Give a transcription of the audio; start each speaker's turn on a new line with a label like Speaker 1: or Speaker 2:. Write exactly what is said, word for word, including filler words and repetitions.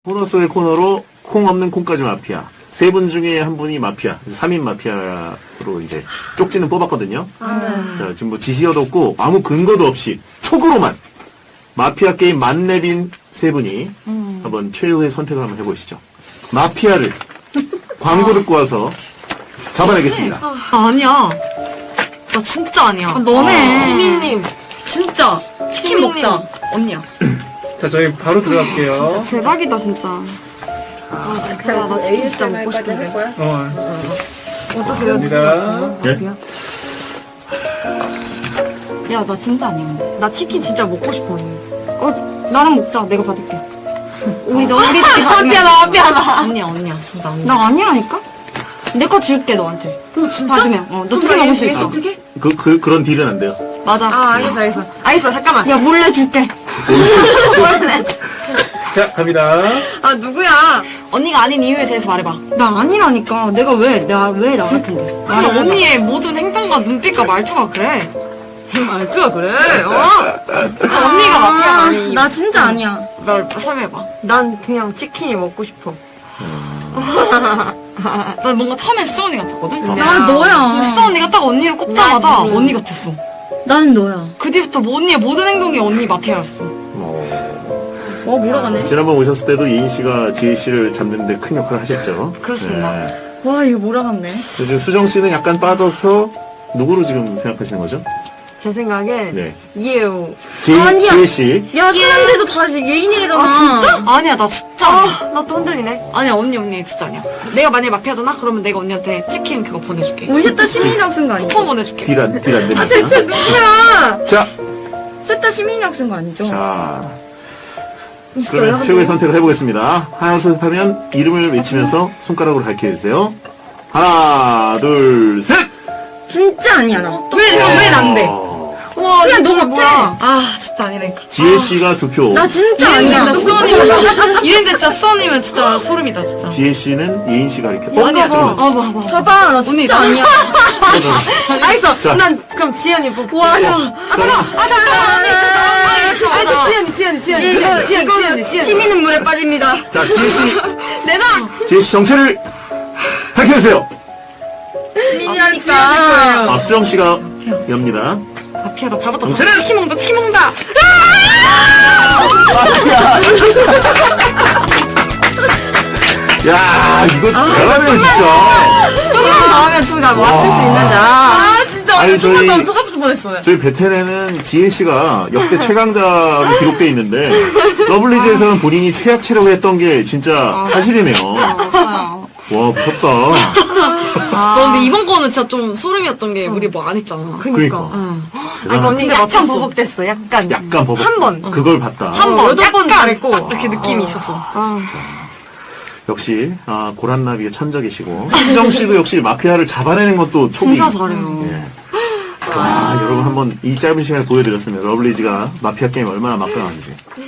Speaker 1: 코너 속의 코너로 콩 없는 콩까지 마피아. 세 분 중에 한 분이 마피아. 삼 인 마피아로 이제 쪽지는 뽑았거든요.
Speaker 2: 아, 네.
Speaker 1: 자, 지금 뭐 지시어도 없고 아무 근거도 없이 촉으로만 마피아 게임 만렙인 세 분이
Speaker 2: 음.
Speaker 1: 한번 최후의 선택을 한번 해보시죠. 마피아를 광고 듣고 와서 잡아내겠습니다.
Speaker 2: 아, 아니야. 나 진짜 아니야.
Speaker 3: 아, 너네.
Speaker 2: 시민님. 진짜. 치킨
Speaker 3: 시민님.
Speaker 2: 먹자. 언니야.
Speaker 4: 자, 저희 바로 들어갈게요.
Speaker 3: 대박이다 진짜.
Speaker 2: 아, 그래. 나 치킨 진짜 먹고 싶은데.
Speaker 4: 어,
Speaker 3: 어떠세요?
Speaker 4: 갑니다.
Speaker 1: 예?
Speaker 3: 야, 나 진짜 아니야. 근데. 나 치킨 진짜 먹고 싶어. 언니. 어, 나랑 먹자. 내가 받을게. 우리 너 우리 집
Speaker 2: 마피아, 나 마피아, 나. 언니야, 언니야. 진짜 언니야.
Speaker 3: 나 아니라니까? 내 거 줄게 너한테. 받으면. 어, 너 치킨 먹을 수 있어.
Speaker 2: 어떻게?
Speaker 1: 그, 그, 그런 딜은 안 돼요.
Speaker 3: 맞아.
Speaker 2: 아, 알겠어, 알겠어. 알겠어, 잠깐만.
Speaker 3: 야, 몰래 줄게.
Speaker 4: 자, 갑니다.
Speaker 2: 아, 누구야? 언니가 아닌 이유에 대해서 말해봐.
Speaker 3: 나 아니라니까. 내가 왜, 내가 왜 나 같은데.
Speaker 2: 아니, 언니의 모든 행동과 눈빛과 말투가 그래. 말투가 그래, 어? 아, 언니가 마피아 아니.
Speaker 3: 나 진짜 아니야.
Speaker 2: 나 설명해봐.
Speaker 5: 난 그냥 치킨이 먹고 싶어.
Speaker 2: 나 뭔가 처음엔 수정 언니 같았거든?
Speaker 3: 난 너야.
Speaker 2: 수정 언니가 딱 언니를 꼽자마자
Speaker 5: 난
Speaker 2: 언니 같았어.
Speaker 3: 나는 너야.
Speaker 2: 그 뒤부터 뭐 언니의 모든 행동이 언니 마피아였어.
Speaker 1: 어,
Speaker 3: 어, 몰아가네.
Speaker 1: 지난번 오셨을 때도 예인 씨가 지혜 씨를 잡는데 큰 역할을 하셨죠.
Speaker 2: 그렇습니다.
Speaker 1: 네.
Speaker 3: 와, 이거 몰아갔네.
Speaker 1: 요즘 수정 씨는 약간 빠져서 누구로 지금 생각하시는 거죠?
Speaker 5: 제 생각엔
Speaker 1: 네.
Speaker 5: 이해요.
Speaker 1: 지,
Speaker 3: 아니야.
Speaker 1: 지혜 씨.
Speaker 3: 야, 사람들도 다시 예인이래잖아.
Speaker 2: 아, 진짜? 아니야, 나 진짜. 아니야.
Speaker 5: 나 또 흔들리네.
Speaker 2: 아니야, 언니, 언니, 진짜 아니야. 내가 만약에 마피아잖아? 그러면 내가 언니한테 치킨 그거 보내줄게.
Speaker 3: 우리 셋 다 시민이라고 쓴 거 아니야?
Speaker 2: 쿠폰 보내줄게.
Speaker 1: 딜 안, 딜 안 됩니다.
Speaker 3: 누구야?
Speaker 1: 자,
Speaker 3: 셋 다 시민이라고 쓴 거 아니죠?
Speaker 1: 자. 그러면 최후의 선택을 해보겠습니다. 하나, 둘, 하면 이름을 외치면서 손가락으로 가르쳐주세요. 하나, 둘, 셋!
Speaker 3: 진짜 아니야, 나.
Speaker 2: 왜, 왜 난데?
Speaker 1: 어,
Speaker 2: 와,
Speaker 3: 야,
Speaker 2: 이거
Speaker 3: 너 같아.
Speaker 2: 뭐야? 아, 진짜 아니라니까.
Speaker 1: 지혜 씨가 두 표.
Speaker 3: 나 진짜
Speaker 2: 이랬는데
Speaker 3: 아니야.
Speaker 2: 진짜 수원이면, 이랬는데 진짜 수원이면 진짜 소름이다, 진짜.
Speaker 1: 지혜 씨는 예인 씨가 가르쳐.
Speaker 2: 아니야,
Speaker 1: 잠깐만.
Speaker 2: 아, 봐, 봐.
Speaker 3: 봐봐, 나
Speaker 2: 언니,
Speaker 3: 진짜
Speaker 2: 나
Speaker 3: 아니야.
Speaker 5: 알겠어.
Speaker 1: 자.
Speaker 5: 난 그럼 지연이 뽑.
Speaker 3: 와, 야.
Speaker 2: 아, 잠깐만, 언니, 잠깐만.
Speaker 5: 알겠어. 지연이, 지연이, 지연이,
Speaker 3: 이거,
Speaker 5: 지연이, 지연이,
Speaker 3: 이거
Speaker 5: 지연이, 지연이.
Speaker 3: 시민은 물에 빠집니다.
Speaker 1: 자, 지혜 씨,
Speaker 5: 내놔.
Speaker 1: 지혜 씨 정체를 밝혀주세요.
Speaker 3: 시민이라니까.
Speaker 1: 아, 수정 씨가 엽니다.
Speaker 2: 마피아다, 잡았다.
Speaker 1: 정체는?
Speaker 2: 치킨 먹는다, 치킨 먹는다.
Speaker 1: 야, 이거 대단해요, 진짜.
Speaker 3: 조금만 더 하면 둘 다 맞출 수 있는데. 아,
Speaker 2: 아, 진짜.
Speaker 1: 아니, 저희,
Speaker 2: 너무 속았을 뻔했어요.
Speaker 1: 저희 베테랑은 지혜 씨가 역대 최강자로 기록돼 있는데, 러블리즈에서는 본인이 최악 체력을 했던 게 진짜 사실이네요.
Speaker 2: 맞아요.
Speaker 1: 와, 무섭다.
Speaker 2: 너 근데 이번 거는 진짜 좀 소름이었던 게 우리 뭐 안 했잖아.
Speaker 1: 그러니까.
Speaker 2: 응.
Speaker 5: 아니, 언니
Speaker 2: 근데
Speaker 5: 약간
Speaker 2: 맞췄어.
Speaker 5: 보복됐어. 약간.
Speaker 1: 약간 버벅.
Speaker 5: 한 번.
Speaker 1: 그걸 봤다.
Speaker 2: 한 번,
Speaker 5: 여덟 번
Speaker 2: 약간
Speaker 5: 잘했고.
Speaker 2: 딱 이렇게 느낌이 있었어.
Speaker 5: 아,
Speaker 1: 역시, 아, 고란나비의 천적이시고, 수정 씨도 역시 마피아를 잡아내는 것도 촉이.
Speaker 2: 진짜 잘해요.
Speaker 1: 예. 아, 여러분 한번 이 짧은 시간에 보여드렸습니다. 러블리즈가 마피아 게임 얼마나 막강한지.